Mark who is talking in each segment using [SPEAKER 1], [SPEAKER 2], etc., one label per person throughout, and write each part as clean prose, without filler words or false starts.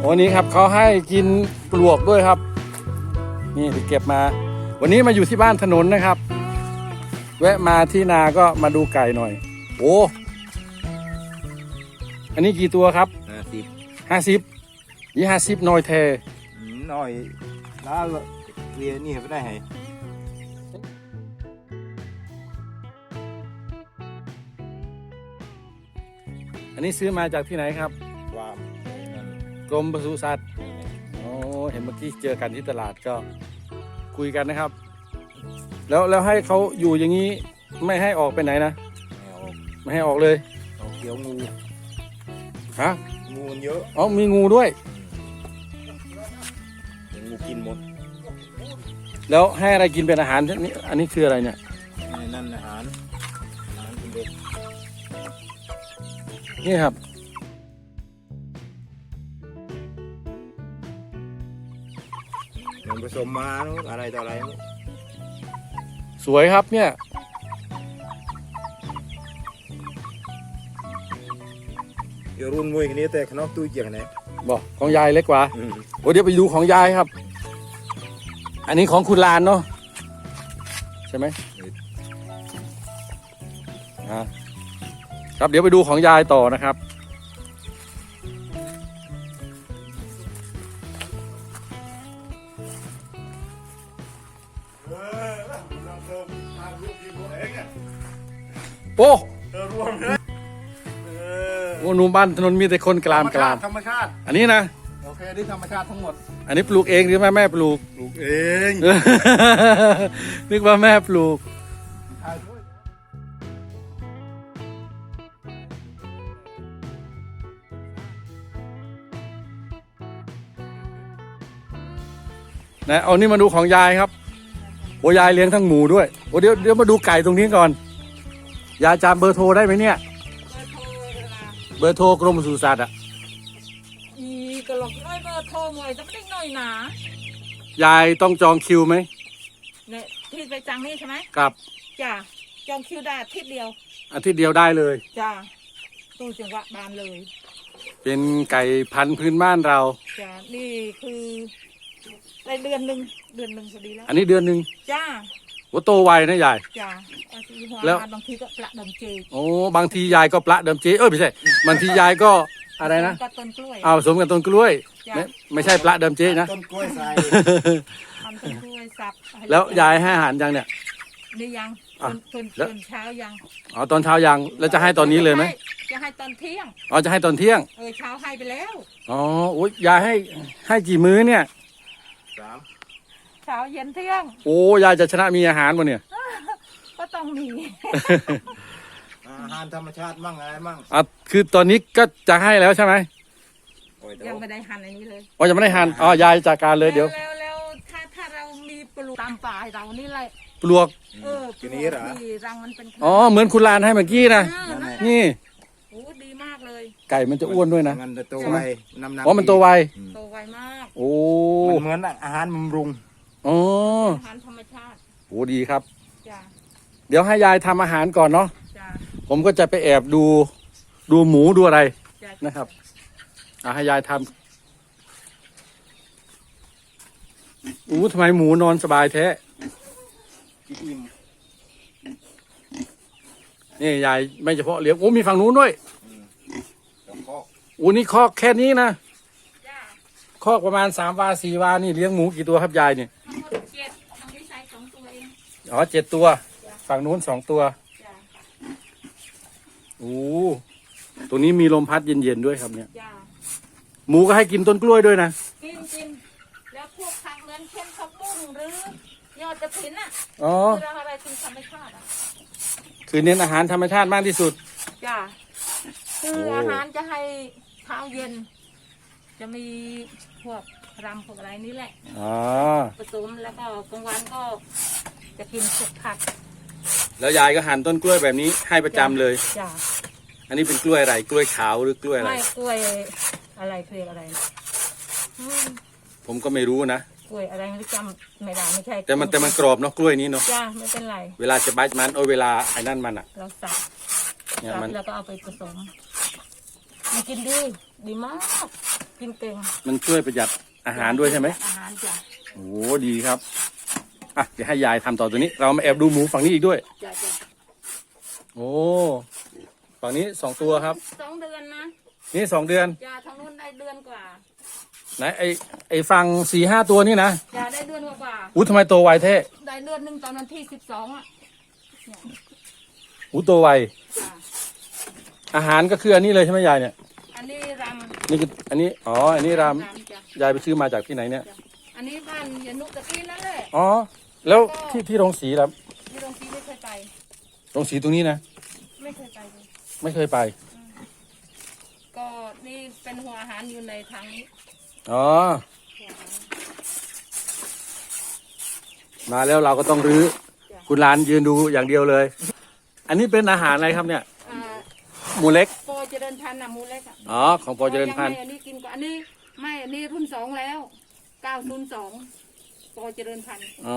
[SPEAKER 1] วันนี้ครับเขาให้กินปลวกด้วยครับนี่ไปเก็บมาวันนี้มาอยู่ที่บ้านถนนนะครับแวะมาที่นาก็มาดูไก่หน่อยโอ้อันนี้กี่ตัวครับ50ยี่50น้อยแท
[SPEAKER 2] น้อยแล้วเรียนนี่ไม่ได้ไง
[SPEAKER 1] อันนี้ซื้อมาจากที่ไหนครับกรมปศุสัตว์โอ้เห็นเมื่อกี้เจอกันที่ตลาดก็คุยกันนะครับแล้วให้เขาอยู่อย่างนี้ไม่ให้ออกไปไหนนะไม่ให้ออกเลย
[SPEAKER 2] เกี่ยวงู
[SPEAKER 1] ฮะ
[SPEAKER 2] งูมันเยอะ
[SPEAKER 1] อ๋อมีงูด้วย
[SPEAKER 2] งูกินหมด
[SPEAKER 1] แล้วให้อะไรกินเป็นอาหารนี่อันนี้คืออะไรเนี่ย
[SPEAKER 2] นั่นอาหารกินเด็ก
[SPEAKER 1] นี่ครับ
[SPEAKER 2] มันผสมมาอะไรต่ออะไร
[SPEAKER 1] สวยครับเนี่ย
[SPEAKER 2] เดี๋ยวรุ่นมวยกันนี้แต่ขนมตู้เจียงไหน
[SPEAKER 1] บอกของยายเล็กกว่าโอ้เดี๋ยวไปดูของยายครับอันนี้ของคุณลานเนาะใช่ไหมครับเดี๋ยวไปดูของยายต่อนะครับโอ้โหหนุ่มบ้านถนนมีแต่คนกลาม
[SPEAKER 2] ธรรมชาติ
[SPEAKER 1] อันนี้นะ
[SPEAKER 2] โอเคนี่ธรรมชาติทั้งหมด
[SPEAKER 1] อันนี้ปลูกเองหรือแม่ปลูก
[SPEAKER 2] เอง
[SPEAKER 1] นึกว่าแม่ปลูกนะเอานี่มาดูของยายครับโอ้ยายเลี้ยงทั้งหมูด้วยโอ้เดี๋ยวมาดูไก่ตรงนี้ก่อนยายจำเบอร์โทรได้ไหมเนี่ยเบอร์โทรกรมปศุสัตว์อ่ะ
[SPEAKER 3] ก็หลอกน้อยเบอร์โทรหน่อยจะไม่ได้น้อยหน
[SPEAKER 1] ายายต้องจองคิวไหม
[SPEAKER 3] เนี่ยที่ไปจังนี่ใช่ไหม
[SPEAKER 1] ครับ
[SPEAKER 3] จ้ะจองคิวได้อาทิตย์เดียว
[SPEAKER 1] ได้เลย
[SPEAKER 3] จ้ะตู้จังหวะบานเลย
[SPEAKER 1] เป็นไก่พันธุ์พื้นบ้านเรา
[SPEAKER 3] จ้ะนี่คือได้เดือนหนึ่งพอดีแล้ว
[SPEAKER 1] อันนี้เดือนหนึ่ง
[SPEAKER 3] จ้า
[SPEAKER 1] โอ้โตไวนะยาย
[SPEAKER 3] จ้า
[SPEAKER 1] แล้ว
[SPEAKER 3] บางทีก็ปละดมเจ
[SPEAKER 1] โอ้บางทียายก็ปละดมเจไม่ใช่บางทียายก็อะไรนะ
[SPEAKER 3] ต้นกล้วย
[SPEAKER 1] ผสมกับต้นกล้วยไม่ใช่ปละดมเจนะ
[SPEAKER 2] ต้นกล้วยใส่
[SPEAKER 3] ทำต้นกล้วยสับ
[SPEAKER 1] แล้วยายให้อาหารยังเนี่ย
[SPEAKER 3] นี่ยังตอนเช้ายัง
[SPEAKER 1] ตอนเช้ายังแล้วจะให้ตอนนี้เลยไหม
[SPEAKER 3] จะให้ตอนเที่ยง
[SPEAKER 1] จะให้ตอนเที่ยง
[SPEAKER 3] เช้าให้ไปแล้ว
[SPEAKER 1] โอ้ยยายให้กี่มื้อเนี่ย
[SPEAKER 3] เช้าเย็นเที่ยง
[SPEAKER 1] โอ้ยายจะชนะมีอาหารบ่เนี่ย
[SPEAKER 3] ก็ต้องมี
[SPEAKER 2] อาหารธรรมชาติมั่งอะไรมั่ง
[SPEAKER 1] คือตอนนี้ก็จะให้แล้วใช่ไหม
[SPEAKER 3] ยังไม่ได้หั่นอันนี้เลย
[SPEAKER 1] ยังไม่ได้หั่นยายจัดการเลยเดี๋ยว
[SPEAKER 3] แล้วถ้าเรามีปลวกตามป่าเรานี่แหละ
[SPEAKER 1] ปลวก
[SPEAKER 3] ทีนี้เหรอรังมันเป็น
[SPEAKER 1] เหมือนคุณลานให้เมื่อกี้นะนี่
[SPEAKER 3] โอ้ดีมากเลย
[SPEAKER 1] ไก่มันจะอ้วนด้วยนะ
[SPEAKER 2] มันจะโตไวน้ำหนัก
[SPEAKER 1] มันโตไว
[SPEAKER 3] มาก
[SPEAKER 1] โอ้
[SPEAKER 2] มันเหมือนอาหารบำรุง
[SPEAKER 3] อาหารธรรมชาติ
[SPEAKER 1] โอ้ดีครับเดี๋ยวให้ยายทำอาหารก่อนเนาะผมก็จะไปแอบดูหมูดูอะไรนะครับให้ยายทำทำไมหมูนอนสบายแท้นี่ยายไม่เฉพาะเลี้ยงมีฝั่งนู้นด้วยนี่คอกแค่นี้นะคอกประมาณ3 วา 4 วานี่เลี้ยงหมูกี่ตัวครับยายเนี่ย7 ตัวฝั่งนู้น2 ตัวตัวนี้มีลมพัดเย็นๆด้วยครับเนี่ยหมูก็ให้กินต้นกล้วยด้วยนะ
[SPEAKER 3] กินแล้วพวกผักเหมือนเช่นผักบุ้งหรือยอดกระถินคืออะไรเป็นธรรมชาติ
[SPEAKER 1] คือเน้นอาหารธรรมชาติมากที่สุด
[SPEAKER 3] จ้าคืออาหารจะให้เช้าเย็นจะมีพวกรำพวกอะไรนี่แหละผสมแล้วก็กลางวันก็จะกินสุกผัก
[SPEAKER 1] แล้วยายก็หั่นต้นกล้วยแบบนี้ให้ประจำเลย
[SPEAKER 3] จ้า
[SPEAKER 1] อันนี้เป็นกล้วยอะไรกล้วยขาวหรือกล้วยอะไร
[SPEAKER 3] ไม่กล้วยอะไรคืออะไร
[SPEAKER 1] ผมก็ไม่รู้นะ
[SPEAKER 3] กล้วยอะไรไม่จำไม่ได้ไม่ใช่
[SPEAKER 1] แต่มันกรอบเนาะกล้วยนี้เนาะ
[SPEAKER 3] จ้าไม่เป็นไร
[SPEAKER 1] เวลาจะบัดมันเวลาไอ้นั่นมัน
[SPEAKER 3] เราสับแล้วก็เอาไปผสมมันกินดีมากกินเก่ง
[SPEAKER 1] มันช่วยประหยัดอาหารด้วยใช่ไหม
[SPEAKER 3] อาหารจ้ะ
[SPEAKER 1] โอ้ดีครับอ่ะเดี๋ยวให้ยายทำต่อตัวนี้ เรามาแอบดูหมูฝั่งนี้อีกด้วย
[SPEAKER 3] จ้ะ
[SPEAKER 1] โอ้ฝั่งนี้2 ตัวครับ
[SPEAKER 3] 2 เดือนนะ
[SPEAKER 1] นี่2 เดือน
[SPEAKER 3] จ้ะทางนู้นได้เดือนกว่า
[SPEAKER 1] ไหนไอฝั่ง4-5 ตัวนี่นะ
[SPEAKER 3] จ้ะได้เดือนกว่า
[SPEAKER 1] อู้ทำไมโตไวเท่
[SPEAKER 3] ได้เดือนหนึ่งตอนวันที่12อ่ะ
[SPEAKER 1] อู้โตไว
[SPEAKER 3] จ้ะ
[SPEAKER 1] อาหารก็คืออันนี้เลยใช่ไหมยายเนี่ย
[SPEAKER 3] อันนี้ร
[SPEAKER 1] นี่คืออันนี้อ๋ออันนี้
[SPEAKER 3] ำ
[SPEAKER 1] ราม
[SPEAKER 3] จ้ะ
[SPEAKER 1] ยายไปซื้อมาจากที่ไหนเนี่ย
[SPEAKER 3] อันนี้บ้านยานุตะกี้นั่นแหละ
[SPEAKER 1] อ๋อแล้วที่โรงสีครับ
[SPEAKER 3] ที่โรงสีไม่เคยไป
[SPEAKER 1] โรงสีตรงนี้นะ
[SPEAKER 3] ไม่เคยไปเลย
[SPEAKER 1] ไม่เคยไป
[SPEAKER 3] ก็นี่เป็นหัวอาหารอยู่ในทางนี้
[SPEAKER 1] อ๋อ
[SPEAKER 3] หัวอาหาร
[SPEAKER 1] มาแล้วเราก็ต้องรื้อคุณหลานยืนดูอย่างเดียวเลย อันนี้เป็นอาหารอะไรครับเนี่ย
[SPEAKER 3] อ่า
[SPEAKER 1] หมูเล็ก
[SPEAKER 3] ปอเจริญพันธุ์น่ะหมูเล็กอ่ะ
[SPEAKER 1] อ๋อของปอเจริญพันธุ์
[SPEAKER 3] ยังไม่อันนี้กินก่อนอันนี้ไม่อันนี้รุ่น2แล้ว902ปอเจริญพันธุ์
[SPEAKER 1] อ๋อ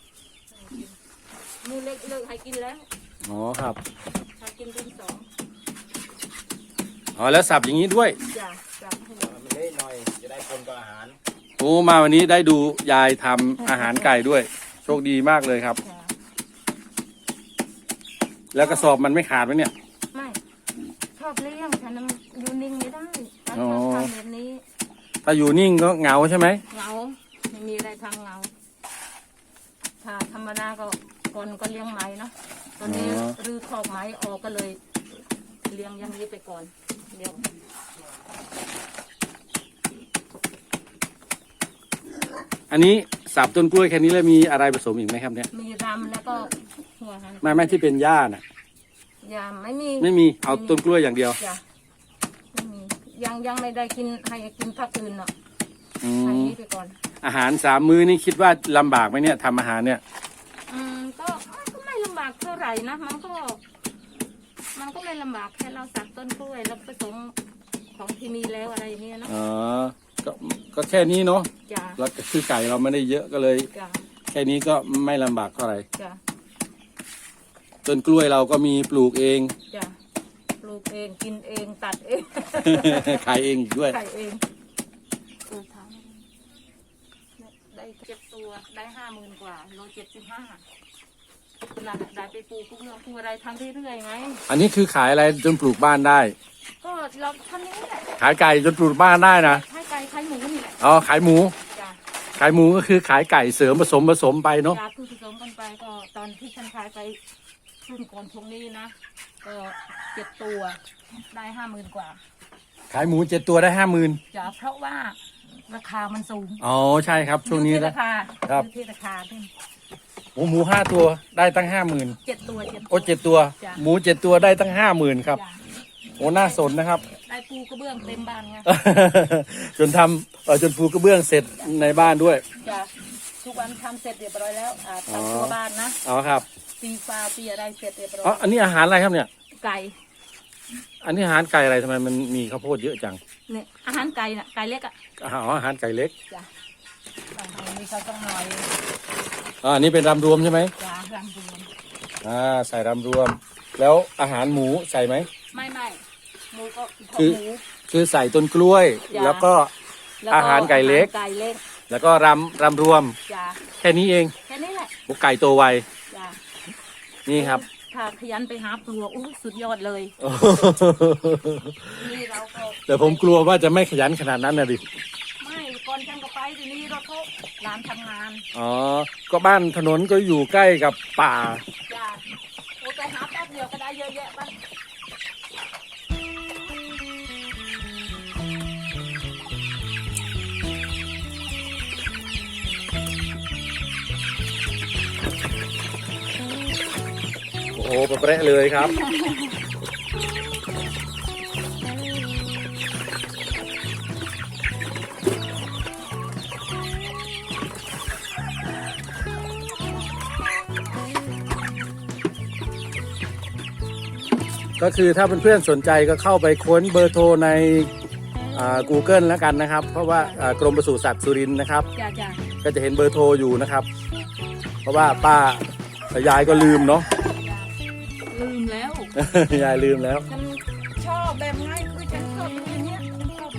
[SPEAKER 3] หมูเล็กเลิกให้กินแล้ว
[SPEAKER 1] อ๋อครับ
[SPEAKER 3] ให้กินรุ่น2
[SPEAKER 1] อ๋อแล้วสับอย่างนี้ด้วย
[SPEAKER 3] จ้ะจ้ะให้
[SPEAKER 2] มันเละหน่อยจะได้คนกับอาหาร
[SPEAKER 1] โอ้มาวันนี้ได้ดูยายทำอาหารไก่ด้วย โชคดีมากเลยครับ
[SPEAKER 3] จ้ะ
[SPEAKER 1] แล้วกระสอบมันไม่ขาดไหมเนี่ย
[SPEAKER 3] ไม่ชอบเลี้ยงฉันน่ะอยู่นิ่งไม่ได้ฉัน
[SPEAKER 1] อ๋อ
[SPEAKER 3] ชอบทำแบบนี้
[SPEAKER 1] ถ้าอยู่นิ่งก็เหงาใช่ไหม
[SPEAKER 3] เหงาไม่มีอะไรทางเหงาถ้าธรรมดาก็ก่อนก็เลี้ยงไหมเนาะตอนนี้รื้อคอกไหมออกก็เลย เลี้ยงอย่างนี้ไปก่อนเดี๋ยว
[SPEAKER 1] อันนี้สับต้นกล้วยแค่นี้แล้วมีอะไรผสมอีกไหมครับเนี่ย
[SPEAKER 3] มีรำแล้วก็หัวหัน
[SPEAKER 1] ไม่ที่เป็นหญ้าน่ะ
[SPEAKER 3] ยาไม่มี
[SPEAKER 1] ไม่มีเอาต้นกล้วยอย่างเดียว
[SPEAKER 3] จ้ะไม่มียังไม่ได้กินให้กินผักอื่นเนาะ
[SPEAKER 1] อื
[SPEAKER 3] ให้
[SPEAKER 1] ม
[SPEAKER 3] นี้ไปก่อน
[SPEAKER 1] อาหาร3 มื้อนี่คิดว่าลำบากไหมเนี่ยทำอาหารเนี่ย
[SPEAKER 3] ก็ไม่ลำบากเท่าไหร่นะมันก็ไม่ลำบากแค่เราสักต้นกล้วยแล้วผสมของที่มีแล้วอะไรอย่างเงี้ยเนาะ
[SPEAKER 1] อ๋อก็แค่นี้เนาะ
[SPEAKER 3] จ้ะ
[SPEAKER 1] แล้วก็คือไก่เราไม่ได้เยอะก็เลย
[SPEAKER 3] จ้ะ
[SPEAKER 1] แค่นี้ก็ไม่ลำบากเท่าไหร่
[SPEAKER 3] จ้ะ
[SPEAKER 1] ต้นกล้วยเราก็มีปลูกเอง
[SPEAKER 3] จ้ะปลูกเองกินเองตัดเอง
[SPEAKER 1] ขายเองอีกด้วย
[SPEAKER 3] ไข่เองถามได้7 ตัวได้50,000 กว่าโล75นั่นแหละได้ไปปลูกปลูกอะไรทำเรื่อยๆไง
[SPEAKER 1] อันนี้คือขายอะไรจนปลูกบ้านได้
[SPEAKER 3] ก็เราทำนี้แหละ
[SPEAKER 1] ขายไก่จนปลูกบ้านได้นะ
[SPEAKER 3] ให้ไก่ไข่หมูนี่แหละ
[SPEAKER 1] อ๋อขายหมู
[SPEAKER 3] จ้ะ
[SPEAKER 1] ขายหมูก็คือขายไก่เสริมผสมไปเนาะ
[SPEAKER 3] ยาคือผสมกันไปก็ตอนที่ฉันขายไปรุ่นก่อนช่วงนี้นะก็7 ตัวได้50,000 กว่า
[SPEAKER 1] ขายหมู7 ตัวได้50,000
[SPEAKER 3] จ้ะเพราะว่าราคามันสูง
[SPEAKER 1] อ๋อใช่ครับช่วงนี้
[SPEAKER 3] อยู่ที่
[SPEAKER 1] นะ
[SPEAKER 3] ราคา
[SPEAKER 1] ครับ
[SPEAKER 3] อยู่ที่ราคาที่
[SPEAKER 1] โอ้หมู5 ตัวได้ตั้ง50,000
[SPEAKER 3] 7 ตัว
[SPEAKER 1] โอ้7 ตัว
[SPEAKER 3] จ้ะ
[SPEAKER 1] หมู7 ตัวได้ตั้ง50,000ครับ
[SPEAKER 3] จ้ะ
[SPEAKER 1] โอ้น่าสนนะครับ
[SPEAKER 3] ได้ปูกระเบื้องเต็มบ้านไง
[SPEAKER 1] จนทำจนปูกระเบื้องเสร็จในบ้านด้วย
[SPEAKER 3] จ้ะทุกวันทำเสร็จเรียบร้อยแล้ว
[SPEAKER 1] อ๋อ
[SPEAKER 3] ทำตัวบ้านนะ
[SPEAKER 1] อ๋อครับ
[SPEAKER 3] ตีฟ้าตีอะไรเสร็จเรียบร้อ
[SPEAKER 1] อ๋อย อันนี้อาหารอะไรครับเนี่ย
[SPEAKER 3] ไก่
[SPEAKER 1] อันนี้อาหารไก่อะไรทำไมมันมีข้าวโพดเยอะจัง
[SPEAKER 3] เนี่ยอาหารไก่น่ะไก่เล็กอ่ะ
[SPEAKER 1] อ๋ออาหารไก่เล็ก
[SPEAKER 3] จ้ะบางทีมีเขาต้องหน่อย
[SPEAKER 1] อันนี้เป็นรำรวมใช่ไหม
[SPEAKER 3] จ้ะรำรวม
[SPEAKER 1] ใส่รำรวม แล้วอาหารหมูใส่ไหม
[SPEAKER 3] ไม่หมูก็
[SPEAKER 1] คือ
[SPEAKER 3] หมู
[SPEAKER 1] คือใส่ต้นกล้วย
[SPEAKER 3] จ้ะ
[SPEAKER 1] แล้วก็
[SPEAKER 3] แล้ว
[SPEAKER 1] อาหารไก่เล็ก
[SPEAKER 3] อาหารไก่เล็ก
[SPEAKER 1] แล้วก็รำรวม
[SPEAKER 3] จ้ะ
[SPEAKER 1] แค่นี้เอง
[SPEAKER 3] แค่นี้แหละ
[SPEAKER 1] โอ้ไก่โตไว
[SPEAKER 3] จ้ะ
[SPEAKER 1] นี่ครับ
[SPEAKER 3] ถ้าขยันไปหาปลวกอู้สุดยอดเลยนี่เราก็
[SPEAKER 1] แต่ผมกลัวว่าจะไม่ขยันขนาดนั้นนะดิ
[SPEAKER 3] ไม่ก่อนฉันก็ไปทีนี้เราเขาร้านทำงาน
[SPEAKER 1] อ๋อ ก็บ้านถนนก็อยู่ใกล้กับป่า
[SPEAKER 3] จ้ะโอ้ไปหาแป๊บเดียวก็ได้เยอะแยะบ้าง
[SPEAKER 1] โอ้โหเปรี้ยเลยครับ ก็คือถ้าเพื่อนๆสนใจก็เข้าไปค้นเบอร์โทรใน Google แล้วกันนะครับ เพราะว่ากรมปศุสัตว์สุรินทร์นะครับ
[SPEAKER 3] จ้ะ
[SPEAKER 1] ก็จะเห็นเบอร์โทรอยู่นะครับ เพราะว่าป้ากับยายก็ลืมเนาะ
[SPEAKER 3] ลืมแล้ว
[SPEAKER 1] ยายลืมแล้ว
[SPEAKER 3] ฉันชอบแบบง่ายคือฉันชอบอย่างเนี้ยฉันชอบแบบนี้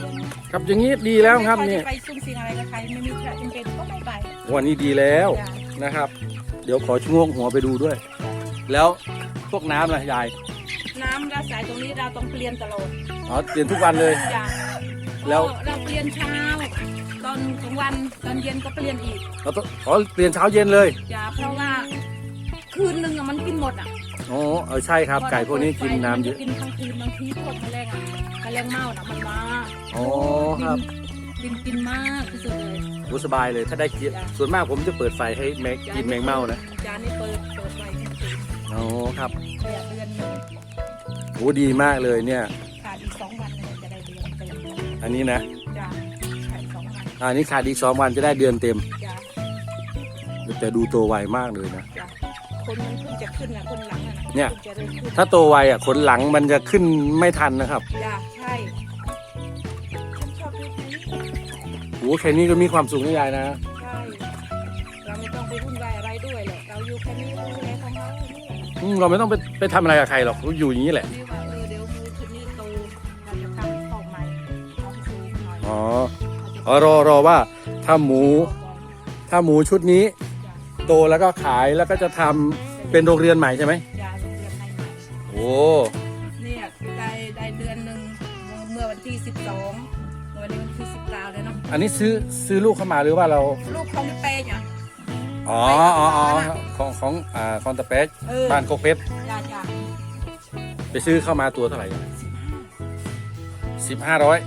[SPEAKER 1] ครับอย่างนี้ดีแล้วครับ
[SPEAKER 3] ไม่
[SPEAKER 1] นี่
[SPEAKER 3] ค่อยได้ไปซุ่มเสียงอะไรกับใครไม่มีใครจำเป็นก็ไม่ไป
[SPEAKER 1] วันนี้ดีแล้ว
[SPEAKER 3] จ้ะ
[SPEAKER 1] นะครับ เดี๋ยวขอชะโงกหัวไปดูด้วย แล้วพวกน้ำล่ะยาย
[SPEAKER 3] น้ำเราสายตรงนี้เราต้องเปลี่ยนตลอด
[SPEAKER 1] อ๋อเปลี่ยนทุกวันเลย
[SPEAKER 3] จ้ะ
[SPEAKER 1] แล้ว
[SPEAKER 3] เราเปลี่ยนเช้าตอนกลางวันตอนเย็นก็เปลี่ยนอีก
[SPEAKER 1] เราต้องขอเปลี่ยนเช้าเย็นเลย
[SPEAKER 3] จ้ะเพราะว่าคืนหนึ่งอะมันกินหมดอ่ะ
[SPEAKER 1] อ๋อใช่ครับไก่พวกนี้กินน้ำเยอะ
[SPEAKER 3] มักินทั้งคืนบางทีพวกแมลงอ่ะแมลงเม่าน่ะมันมา
[SPEAKER 1] อ๋อครับ
[SPEAKER 3] กินมากที่สุดเลย
[SPEAKER 1] โอ้สบายเลยถ้าได้กินส่วนมากผมจะเปิดไฟให้แมงกินแมงเม่านะ
[SPEAKER 3] จานนี้เปิดไว้จริง
[SPEAKER 1] อ๋อครับ
[SPEAKER 3] ๆเนี่ยเดือนหนึง
[SPEAKER 1] โอ้ดีมากเลยเนี่ย
[SPEAKER 3] ขาดอีก2 วันเนี่ยจะได้เดือนเต็ม
[SPEAKER 1] อันนี้นะ
[SPEAKER 3] จ้ะขาด2 วัน
[SPEAKER 1] อันนี้ขาดอีก2 วันจะได้เดือนเต็ม
[SPEAKER 3] จ้ะ
[SPEAKER 1] แต่ดูโตไวมากเลยนะ
[SPEAKER 3] จ้ะคนมันเพิ่งจะขึ้นนะคนหลังอะนะ
[SPEAKER 1] เนี่ย
[SPEAKER 3] พิ่งจะเริ่มขึ้น
[SPEAKER 1] ถ้าโตไวอ่ะขนหลังมันจะขึ้นไม่ทันนะครับ
[SPEAKER 3] จ้ะใช่ฉันชอบดูแค่นี้
[SPEAKER 1] โอ้แค่นี้ก็มีความสุขนะยายนะ
[SPEAKER 3] ใช่เราไม่ต้องไปวุ่นวายอะไรด้วยหรอกเราอยู่แค่นี้เราดูแลของเราเนี่ย
[SPEAKER 1] เราไม่ต้องไปทำอะไรกับใครหรอกเราอยู่อย่างนี้แหละ
[SPEAKER 3] นี่ว่าเดี๋ยวมูชุดนี้โตเราจะทำข้าวใหม่เอาให้สูงหน่อย
[SPEAKER 1] อ๋อ
[SPEAKER 3] เราจะ
[SPEAKER 1] รอว่าถ้าหมู
[SPEAKER 3] ข้าวก่อน
[SPEAKER 1] ถ้าหมูชุดนี้
[SPEAKER 3] จ้ะ
[SPEAKER 1] โตแล้วก็ขายแล้วก็จะทำเป็นโรงเรียนใหม่ใช่ไหม
[SPEAKER 3] จ้ะโรงเรียนให้ใหม่
[SPEAKER 1] โอ้
[SPEAKER 3] เนี่ยได้เดือนหนึ่งเมื่อวันที่12วันนี้วันที่19แล้วเนาะ
[SPEAKER 1] อันนี้ซื้อลูกเข้ามาหรือว่าเรา
[SPEAKER 3] ลูกของเป้เนี่ย
[SPEAKER 1] อ๋อของตะเปช บ้านโคกเพชร
[SPEAKER 3] จ้าจ้า
[SPEAKER 1] ไปซื้อเข้ามาตัวเท่าไหร่1500
[SPEAKER 3] จ้าตัว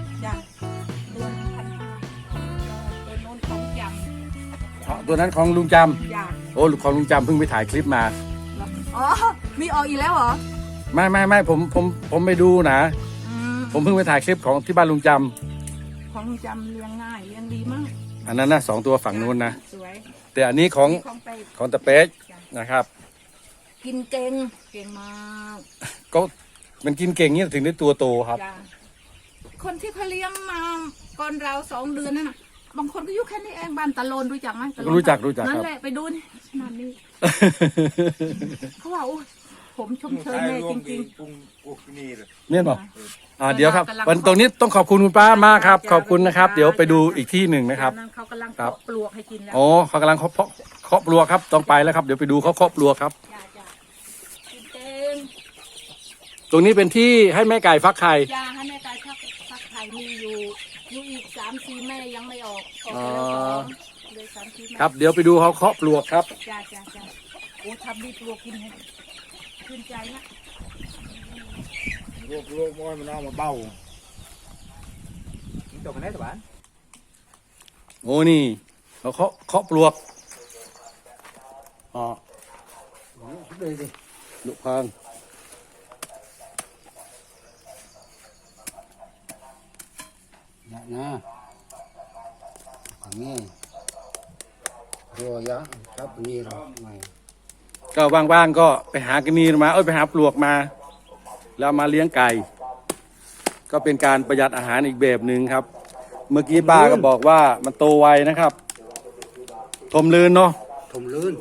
[SPEAKER 3] 1,500ตัวโน้นของย
[SPEAKER 1] ตัวนั้นของลุงจ
[SPEAKER 3] ำจ้า
[SPEAKER 1] ำโอ้ของลุงจำเพิ่งไปถ่ายคลิปมา
[SPEAKER 3] อ๋อมีออกอีกแล้วเหรอ
[SPEAKER 1] ไม่ผมไปดูนะ
[SPEAKER 3] อืม
[SPEAKER 1] ผมเพิ่งไปถ่ายคลิปของที่บ้านลุงจ
[SPEAKER 3] ของจำเลี้ยงง่ายเลี้ยงดีมาก
[SPEAKER 1] ำอันนั้นนะ2 ตัวฝั่งนู้นนะ
[SPEAKER 3] สวย
[SPEAKER 1] แต่อันนี้ของ
[SPEAKER 3] ของไป
[SPEAKER 1] ของตะเปชนะครับ
[SPEAKER 3] กินเก่งเก่งมาก
[SPEAKER 1] ก็มันกินเก่งเนี่ยถึงได้ตัวโตครับ
[SPEAKER 3] จ้าคนที่เขาเลี้ยงมาก่อนเรา2 เดือนนั่นน่ะบางคนก็อยู่แค่นี้เองบ้านตะโลนรู้จักไหมตะโลน
[SPEAKER 1] รู้จัก
[SPEAKER 3] นั่
[SPEAKER 1] คน รับ
[SPEAKER 3] แหละไปดูนี่ขนาดนี้เขาว่าโอ้ยผมชมเชยแม่จริง
[SPEAKER 2] ปุ้งปุกนี่เลย
[SPEAKER 1] เนี่ยบอกเดี๋ยวครับ
[SPEAKER 3] กำลัง
[SPEAKER 1] วันตรงนี้ต้องขอบคุณคุณป้ามากครับ
[SPEAKER 3] จ้ะ
[SPEAKER 1] ขอบคุณนะครับ
[SPEAKER 3] จ้ะ
[SPEAKER 1] เดี๋ยวไปดูอีกที่หนึ่งนะครับ
[SPEAKER 3] นั่นเขากำลัง
[SPEAKER 1] ครับ
[SPEAKER 3] เกาะปลวกให้กินแล้ว
[SPEAKER 1] อ๋อเขากำลังเคาะปลวกครับต้องไปแล้วครับเดี๋ยวไปดูเขาเคาะปลวกครับ
[SPEAKER 3] จ้าจ้ากินเก่ง
[SPEAKER 1] ตรงนี้เป็นที่ให้แม่ไก่ฟักไข่
[SPEAKER 3] ยาให้แม่ตายชักไข่มีอยู่อีก3-4 แม่ยังไม่ออกไปแล้ว2เลย3-4 แม่
[SPEAKER 1] ครับ เดี๋ยวไปดูเขาเคาะปลวกครับ
[SPEAKER 3] จ้าจ้าจ้าโอ้ทำดีปลวกกินให้ชื่นใจนะ
[SPEAKER 2] โรคม้อยมันเอามาเบ้าตกกันได้ตัวบ้าน
[SPEAKER 1] โอ้นี่เขาเคาะปลวกอ๋อ
[SPEAKER 2] đây đi
[SPEAKER 1] ลูกพัง
[SPEAKER 2] dạ nha khoảng nghe rồi á sắp nghe rồi mày
[SPEAKER 1] ก็ว่างๆก็ไปหากระนีมาไปหาปลวกมา แล้วมาเลี้ยงไก่ ก็เป็นการประหยัดอาหารอีกแบบหนึ่งครับ เมื่อกี้ป้าก็บอกว่ามันโตไวนะครับทมลื่นเนาะ
[SPEAKER 2] thùng lươn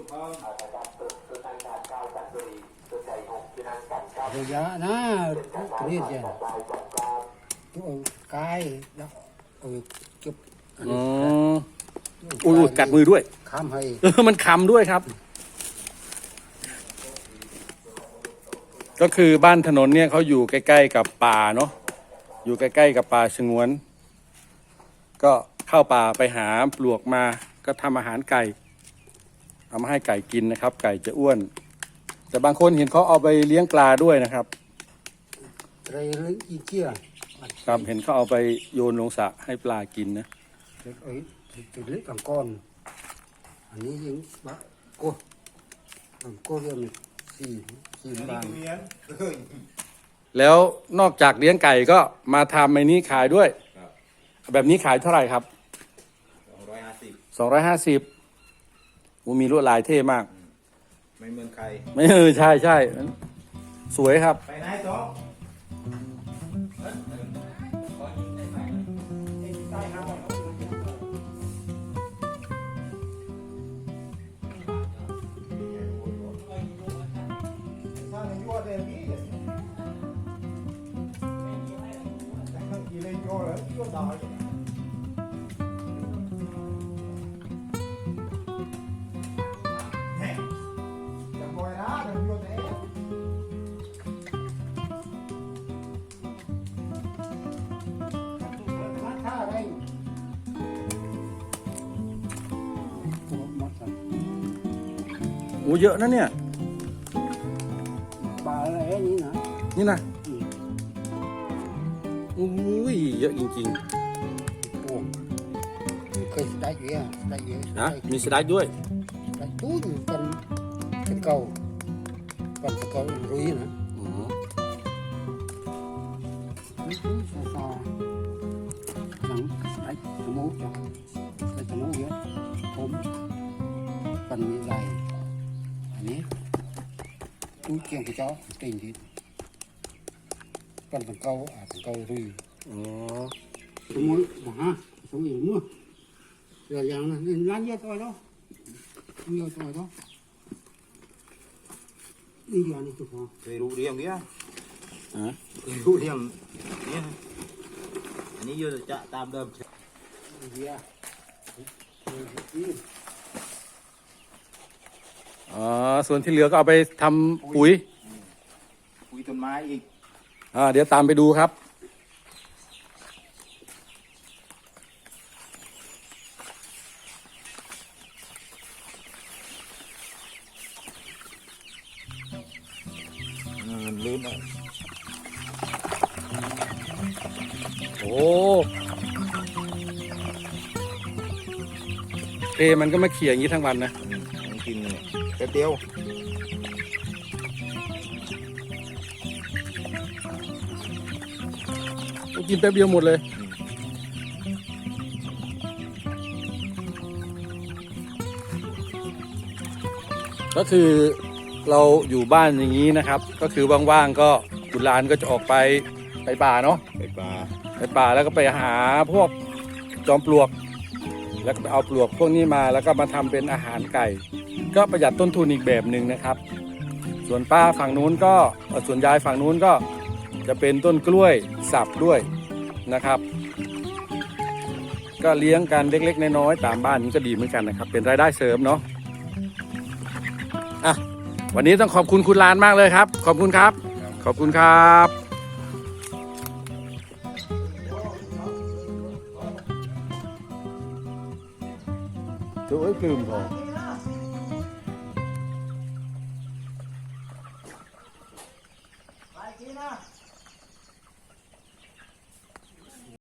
[SPEAKER 2] rồi giá nó biết gì cái đó chụp
[SPEAKER 1] อ๋ออุ้ยกัดมือด้วย
[SPEAKER 2] khám hay
[SPEAKER 1] มันคำด้วยครับ ก็คือบ้านถนนเนี่ยเขาอยู่ใกล้ๆกับป่าเนาะอยู่ใกล้ๆกับป่าสงวน ก็เข้าป่าไปหาปลวกมาก็ทำอาหารไก่เอามาให้ไก่กินนะครับ ไก่จะอ้วน แต่บางคนเห็นเขาเอาไปเลี้ยงปลาด้วยนะครับ
[SPEAKER 2] đây lấy gì chia
[SPEAKER 1] ครับเห็นเขาเอาไปโยนลงสระให้ปลากินนะ
[SPEAKER 2] ấy thì lấy bằng con anh ấy những bác cô bằng cô kia mình xì bàn
[SPEAKER 1] แล้วนอกจากเลี้ยงไก่ก็มาทำไอ้นี้ขายด้วย แบบนี้ขายเท่าไหร่ครับ250มีลวดลายเท่มาก
[SPEAKER 2] ไม่เหมือนใคร
[SPEAKER 1] ไม่ใช่สวยครับ
[SPEAKER 2] ไปไหนจ๊อก
[SPEAKER 1] อ้เยอะนะเนี่ย
[SPEAKER 2] ปลาอะไรนี่นะ
[SPEAKER 1] นี่นะอุ้ยเยอะจริง
[SPEAKER 2] โอ้เคยได้เยอะได้เยอะ
[SPEAKER 1] ๆนะมีสไลด์ด้วย
[SPEAKER 2] ได้ตู้อยู่กันเก่ากันเก่ารุยนะ
[SPEAKER 1] อืม
[SPEAKER 2] ไม่รู้ซาหนังไอ้สมูจังไอ้สมูเยอะผมกันมีลายอันนี้ตู้เกียงกระเจ้าติ่งดิกันเก่าเก่ารุย
[SPEAKER 1] อ๋อ
[SPEAKER 2] สมุนฮะสมุนมั่วเดี๋ยวอย่างนั้นร้านเยอะตัวแล้วเยอะตัวแล้วนี่อย่างนี้คือพอ
[SPEAKER 4] เคยรู้เรื่องเนี้ย
[SPEAKER 1] อ่ะ
[SPEAKER 4] เคยรู้เรื่องเนี้ยอันนี้โยจะตามเดิม
[SPEAKER 2] เยอะ
[SPEAKER 1] อ๋อส่วนที่เหลือก็เอาไปทำปุ๋ย
[SPEAKER 4] คุยต้นไม้อีก
[SPEAKER 1] เดี๋ยวตามไปดูครับ
[SPEAKER 4] ลืมอ่ะ
[SPEAKER 1] โอ้เพมันก็มาเขี่ยอย่างนี้ทั้งวันนะ
[SPEAKER 4] มันกินเนี่ยแป๊บเดียว
[SPEAKER 1] กินแป๊บเดียวหมดเลย ก็คือเราอยู่บ้านอย่างนี้นะครับ ก็คือว่างๆก็บุญหลานก็จะออกไปป่าเนาะ
[SPEAKER 4] ไปปลา
[SPEAKER 1] ไปป่าแล้วก็ไปหาพวกจอมปลวก แล้วก็ไปเอาปลวกพวกนี้มาแล้วก็มาทำเป็นอาหารไก่ ก็ประหยัดต้นทุนอีกแบบหนึ่งนะครับ ส่วนป้าฝั่งนู้นก็ส่วนยายฝั่งนู้นก็จะเป็นต้นกล้วยสับด้วยนะครับ ก็เลี้ยงกันเล็กๆน้อยๆตามบ้านนี้ก็ดีเหมือนกันนะครับ เป็นรายได้เสริมเนาะอ่ะวันนี้ต้องขอบคุณคุณลานมากเลยครับ ขอบคุณครับ ขอบคุณครับตัวไอ้ปลื้มพอ